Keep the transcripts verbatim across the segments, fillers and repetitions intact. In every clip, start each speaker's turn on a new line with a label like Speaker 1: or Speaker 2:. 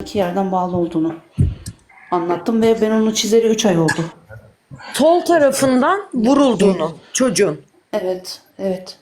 Speaker 1: iki yerden bağlı olduğunu anlattım ve ben onu çizeli üç ay oldu.
Speaker 2: Sol tarafından vurulduğunu çocuğun.
Speaker 1: Evet, evet.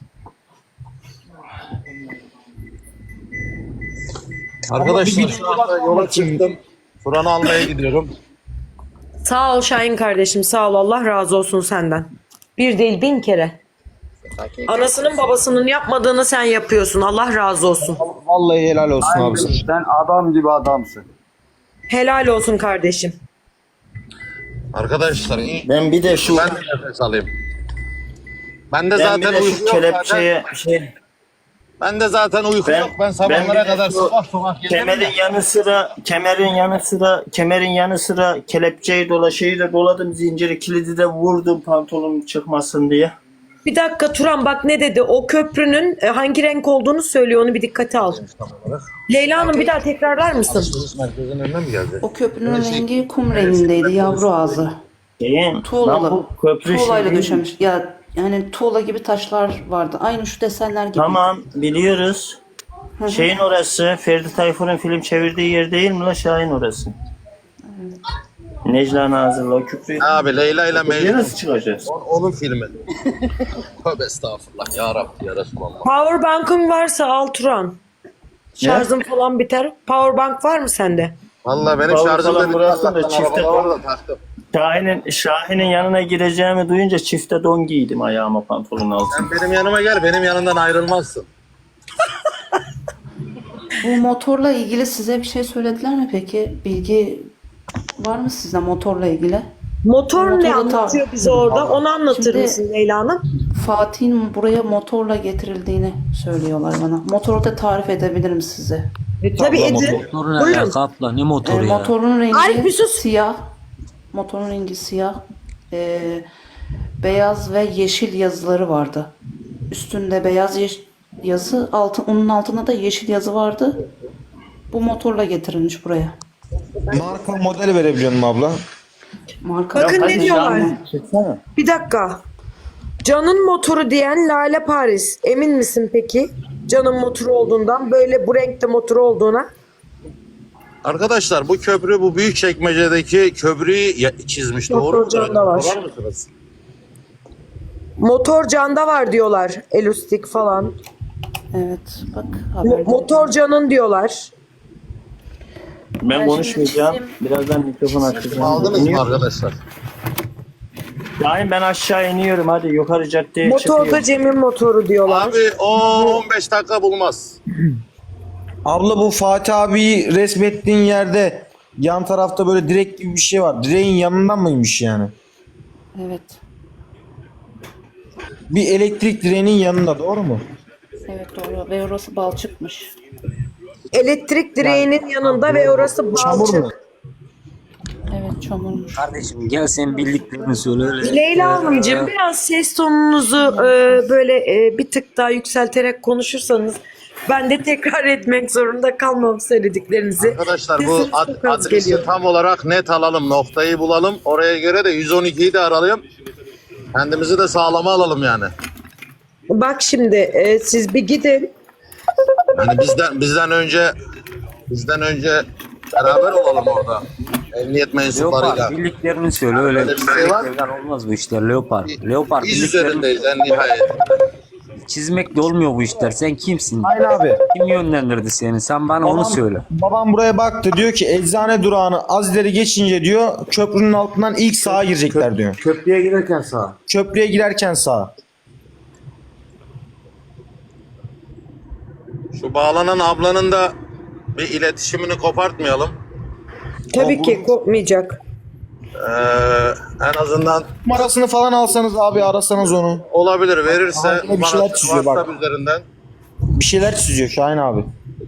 Speaker 3: Arkadaşlar şu anda yola çıktım. Kur'an'ı almaya gidiyorum.
Speaker 2: Sağ ol Şahin kardeşim, sağ ol, Allah razı olsun senden. Bir değil bin kere. Anasının babasının yapmadığını sen yapıyorsun, Allah razı olsun.
Speaker 4: Vallahi helal olsun abi. sana.
Speaker 5: Sen adam gibi adamsın.
Speaker 2: Helal olsun kardeşim.
Speaker 3: Arkadaşlar iyi.
Speaker 4: Ben bir de şu
Speaker 3: Ben de nefes alayım. Ben de
Speaker 4: ben
Speaker 3: zaten
Speaker 4: bir de
Speaker 3: uyku
Speaker 4: şu
Speaker 3: yok zaten.
Speaker 4: kelepçeye şey
Speaker 3: Ben de zaten uyku
Speaker 4: Ben-
Speaker 3: yok. Ben
Speaker 4: ben
Speaker 3: sabahlara
Speaker 4: bir de
Speaker 3: kadar
Speaker 4: şu
Speaker 3: sokak sokak gezerim
Speaker 4: kemerin
Speaker 3: ya.
Speaker 4: yanı sıra kemerin yanı sıra kemerin yanı sıra kelepçeyi dola şeyi de doladım, zinciri kilidi de vurdum pantolonum çıkmasın diye.
Speaker 2: Bir dakika Turan, bak ne dedi? O köprünün e, hangi renk olduğunu söylüyor, onu bir dikkate al. Leyla Hanım bir daha tekrarlar mısın?
Speaker 3: Alışveriş merkezinin önüne mi geldi?
Speaker 1: O köprünün rengi kum rengindeydi, yavru ağzı.
Speaker 4: Şeyin, lan
Speaker 1: Tuğlalı.
Speaker 4: bu köprü
Speaker 1: Tuğlayla
Speaker 4: şey-
Speaker 1: döşemiş. Ya yani tuğla gibi taşlar vardı. Aynı şu desenler gibi.
Speaker 4: Tamam biliyoruz. Şeyin orası Ferdi Tayfur'un film çevirdiği yer değil mi la, Şahin orası? Necla Nazır'la o küprü.
Speaker 3: Abi Leyla ile
Speaker 4: Buraya
Speaker 3: Mecnun.
Speaker 4: nasıl çıkacağız?
Speaker 3: O- Onun filmi. Tövbe estağfurullah ya Rabbi ya Resulallah.
Speaker 2: Powerbank'ın varsa al Turan. Şarjın falan biter. Powerbank var mı sende?
Speaker 3: Vallahi benim
Speaker 4: Power
Speaker 3: şarjım
Speaker 4: falan
Speaker 3: da bitti.
Speaker 4: bıraksın da
Speaker 3: Allah'tan
Speaker 4: çifte
Speaker 3: arabada
Speaker 4: kon-
Speaker 3: var da taktım.
Speaker 4: Şahin'in Şahin'in yanına gireceğimi duyunca çifte don giydim ayağıma, pantolonun altına.
Speaker 3: Sen benim yanıma gel, benim yanımdan ayrılmazsın.
Speaker 1: Bu motorla ilgili size bir şey söylediler mi peki? Bilgi var mı sizde motorla ilgili?
Speaker 2: Motor ne
Speaker 1: Motoru ta-
Speaker 2: anlatıyor bize orada? Onu anlatır
Speaker 1: Şimdi-
Speaker 2: mısın Leyla Hanım?
Speaker 1: Fatih'in buraya motorla getirildiğini söylüyorlar bana. Motoru da tarif edebilirim size.
Speaker 2: E, tabii edin.
Speaker 6: Motoru ne
Speaker 2: Buyurun.
Speaker 6: alaka abla? Ne
Speaker 1: Ee,
Speaker 6: motoru ya?
Speaker 1: motorun rengi
Speaker 2: Arif bir sus.
Speaker 1: siyah. Motorun rengi siyah. Ee, beyaz ve yeşil yazıları vardı. Üstünde beyaz yeş- yazı, altı, onun altında da yeşil yazı vardı. Bu motorla getirilmiş buraya.
Speaker 4: Marka model verebiliyor musun abla?
Speaker 1: Marka
Speaker 2: Bakın
Speaker 1: Hayır,
Speaker 2: ne diyorlar?
Speaker 4: Çıksana.
Speaker 2: Bir dakika. Can'ın motoru diyen Lale Paris. Emin misin peki? Can'ın motoru olduğundan, böyle bu renkte motoru olduğuna.
Speaker 3: Arkadaşlar bu köprü, bu büyük çekmecedeki köprüyü ya- çizmiş.
Speaker 2: Motor
Speaker 3: Doğru mu?
Speaker 2: Can'da var.
Speaker 3: Sorar mısınız?
Speaker 2: Motor Can'da var diyorlar. Elustik falan.
Speaker 1: Evet, bak
Speaker 2: Mo-
Speaker 1: haberde.
Speaker 2: motor Can'ın diyorlar.
Speaker 4: Ben
Speaker 1: Ben
Speaker 4: konuşmayacağım.
Speaker 1: şimdi
Speaker 4: Birazdan mikrofon açacağım.
Speaker 3: Aldınız mı arkadaşlar?
Speaker 4: Şahin ben aşağı iniyorum, hadi yukarı caddeye
Speaker 2: Motorda
Speaker 4: çıkıyorum.
Speaker 2: Cem'in motoru diyorlar.
Speaker 3: Abi on beş dakika bulmaz.
Speaker 7: Abla bu Fatih abiyi resmettiğin yerde yan tarafta böyle direk gibi bir şey var. Direğin yanından mıymış yani?
Speaker 1: Evet,
Speaker 7: Bir elektrik direğinin yanında, doğru mu?
Speaker 1: evet doğru. Ve orası balçıkmış.
Speaker 2: Elektrik direğinin yanında ve orası
Speaker 7: Çamur mu?
Speaker 2: balçık.
Speaker 1: Evet, çamurmuş.
Speaker 6: Kardeşim gel sen bildiklerini söyle öyle.
Speaker 2: Leyla Hanımcığım biraz ses tonunuzu e, böyle e, bir tık daha yükselterek konuşursanız ben de tekrar etmek zorunda kalmam söylediklerinizi.
Speaker 3: Arkadaşlar bu
Speaker 2: Sesiniz
Speaker 3: ad-
Speaker 2: çok az
Speaker 3: adresi
Speaker 2: geliyor.
Speaker 3: tam olarak net alalım. Noktayı bulalım. Oraya göre de yüz on ikiyi de arayalım. Kendimizi de sağlama alalım yani.
Speaker 2: Bak şimdi e, siz bir gidin.
Speaker 3: Yani bizden bizden önce bizden önce beraber olalım orada. Emniyet mensuplarıyla.
Speaker 6: Leopar bildiklerini söyle öyle.
Speaker 3: Öyle bir şey var.
Speaker 6: Bildiklerden olmaz bu işler Leopar. Leopar
Speaker 3: Biz
Speaker 6: bildiklerini
Speaker 3: üzerindeyiz en nihayet.
Speaker 6: çizmekle olmuyor bu işler. Sen kimsin?
Speaker 7: Hayır abi.
Speaker 6: Kim yönlendirdi seni? Sen bana onu söyle.
Speaker 7: Babam buraya baktı, diyor ki eczane durağını az ileri geçince diyor köprünün altından ilk sağa girecekler diyor.
Speaker 5: Köprüye girerken sağ.
Speaker 7: Köprüye girerken sağa.
Speaker 3: Şu bağlanan ablanın da bir iletişimini kopartmayalım.
Speaker 2: Tabii ki kopmayacak.
Speaker 3: Ee, en azından
Speaker 7: Numarasını falan alsanız abi, arasanız onu.
Speaker 3: olabilir verirse
Speaker 7: Aha, yine bir şeyler çiziyor bak.
Speaker 3: WhatsApp üzerinden.
Speaker 7: Bir şeyler çiziyor Şahin abi.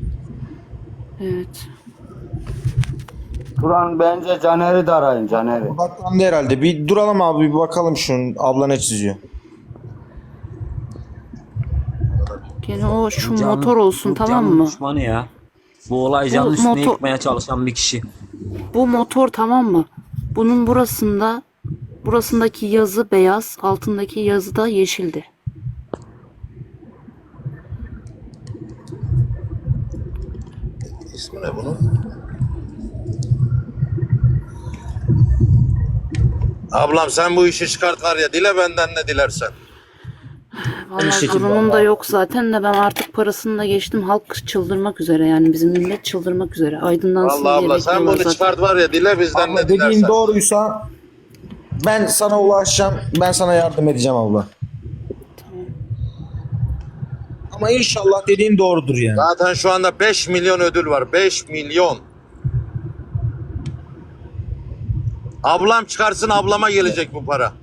Speaker 1: Evet.
Speaker 5: Turan bence Caner'i de arayın Caner'i.
Speaker 7: Baklandı herhalde. Bir duralım abi, bir bakalım şunun abla ne çiziyor.
Speaker 1: Gene o şu
Speaker 6: Can'ın-
Speaker 1: motor olsun,
Speaker 6: bu
Speaker 1: tamam
Speaker 6: Can'ın
Speaker 1: mı?
Speaker 6: düşmanı ya. Bu olay Can'ın
Speaker 1: Bu
Speaker 6: üstüne
Speaker 1: motor-
Speaker 6: yıkmaya çalışan bir kişi.
Speaker 1: Bu motor, tamam mı? Bunun burasında burasındaki yazı beyaz, altındaki yazı da yeşildi.
Speaker 3: İsmi ne bunun? Ablam sen bu işi çıkart var ya, dile benden ne dilersen.
Speaker 1: Vallahi
Speaker 7: şekilde
Speaker 1: durumum da
Speaker 7: vallahi.
Speaker 1: yok zaten de ben artık parasını da geçtim. Halk çıldırmak üzere yani bizim millet çıldırmak üzere. Aydınlansın
Speaker 3: Vallahi
Speaker 1: diye
Speaker 3: abla sen
Speaker 1: bekliyorlar
Speaker 3: bunu
Speaker 1: zaten.
Speaker 3: çıkart var ya, dile bizden
Speaker 7: Abla
Speaker 3: ne
Speaker 7: dediğin
Speaker 3: dilersen.
Speaker 7: doğruysa ben sana ulaşacağım. Ben sana yardım edeceğim abla. Ama inşallah dediğin doğrudur yani.
Speaker 3: Zaten şu anda beş milyon ödül var. beş milyon. Ablam çıkarsın, ablama gelecek bu para.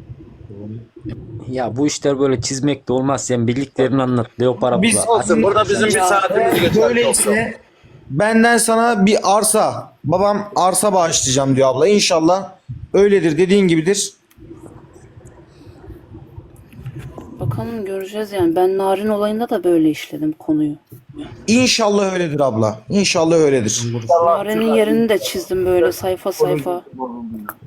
Speaker 6: Ya bu işler böyle çizmek de olmaz. Sen bildiklerini anlat. Leopar
Speaker 7: Biz
Speaker 6: abla.
Speaker 3: Olsun, burada bizim bir saatimiz geçer. çok yok.
Speaker 7: böyleyse benden sana bir arsa. Babam arsa bağışlayacağım diyor abla. İnşallah öyledir, dediğin gibidir.
Speaker 1: Bakalım göreceğiz yani. Ben Narin olayında da böyle işledim konuyu.
Speaker 7: İnşallah öyledir abla. İnşallah öyledir.
Speaker 1: Narin'in yerini de çizdim böyle sayfa sayfa.